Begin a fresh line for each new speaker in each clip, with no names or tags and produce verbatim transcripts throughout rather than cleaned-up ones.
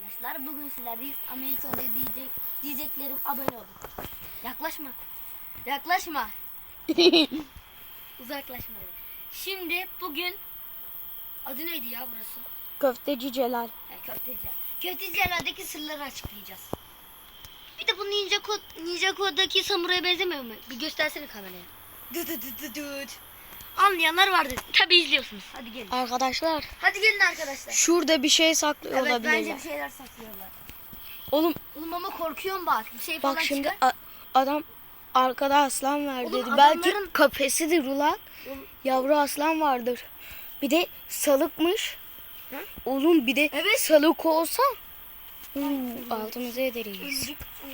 arkadaşlar. Bugün sizlerdeyiz. Ama ilk önce diyecek, diyeceklerim abone olun. Yaklaşma. Yaklaşma. Uzaklaşma. Şimdi bugün adı neydi ya burası?
Köfteci Celal.
He, Köfteciler. Köfteciler'deki sırları açıklayacağız. Bir de bu Ninja Code, Ninja Code'daki samuraya benzemiyor mu? Bir göstersene kameraya. Dı dı dı dı dı. Anlayanlar vardır. Tabi izliyorsunuz. Hadi gelin.
Arkadaşlar
Hadi gelin arkadaşlar.
şurada bir şey saklıyor
Evet,
olabilirler.
bence bir şeyler saklıyorlar.
Oğlum
Oğlum ama korkuyorum bak. Bir şey falan
bak şimdi
çıkar.
a- adam arkada aslan var
Oğlum
dedi.
adamların-
Belki kafesidir ulan.
Oğlum-
Yavru aslan vardır. Bir de salıkmış.
Hı?
Oğlum bir de
Evet.
salık olsa uu, altımıza ederiz.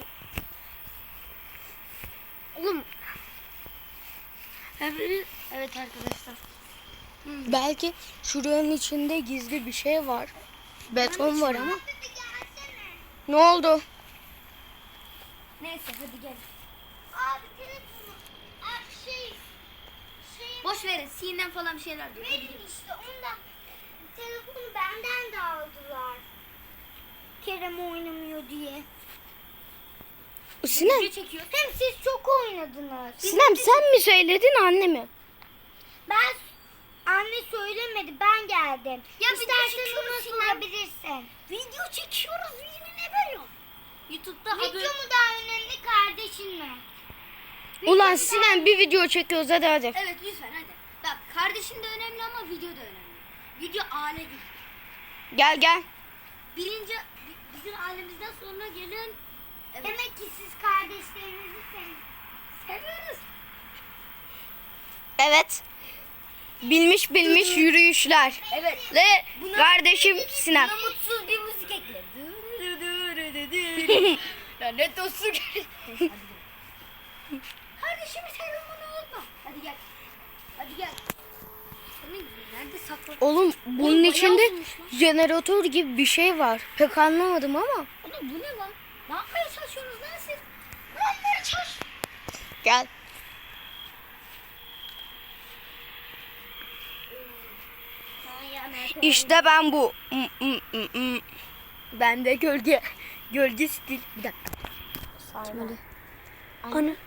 Oğlum. Evet, evet arkadaşlar.
Belki şuranın içinde gizli bir şey var. Beton var ama. Ne oldu?
Neyse hadi gel.
Abi telefonu. Abi şey. Şey.
Boş verin. Sinem falan bir şeyler diyor. Hadi
Benim
gelin.
işte onda. Telefonu benden de aldılar. Kerem oynamıyor diye.
Sinem,
Video çekiyor.
Hem siz çok oynadınız.
Sinem sen mi söyledin anne mi?
Ben anne söylemedi, ben geldim.
Ya video
İstersen
çekiyoruz
onu
Sinem.
sorabilirsin.
Video çekiyoruz. Video ne böyle? YouTube'da
Video
abone...
mu daha önemli, kardeşin mi?
Ulan Sinem bir video çekiyoruz hadi hadi.
Evet lütfen hadi. Bak kardeşim de önemli ama video da önemli. Video aile gibi.
Gel gel.
Birinci bi- bizim ailemizden sonra gelen evet.
Demek ki siz kardeşlerinizi sevin.
Seviyoruz.
Evet. Bilmiş bilmiş yürüyüşler.
Evet.
Ve kardeşim Sinem.
Buna mutsuz bir müzik ekle. Lanet olsun. Kardeşimi seviyorum unutma. Hadi gel. Hadi gel. Senin nerede saklı?
Oğlum bunun
Oğlum,
içinde
bayağı uzunmuş lan.
jeneratör gibi bir şey var. Pek anlamadım ama.
Oğlum bu ne lan? Ne yapmaya çalışıyorsunuz lan siz? Ne yapmaya çalış?
Gel. İşte ben bu. Mm, mm, mm, mm. Ben de gölge. Gölge stil. Bir dakika. Şöyle. Ana.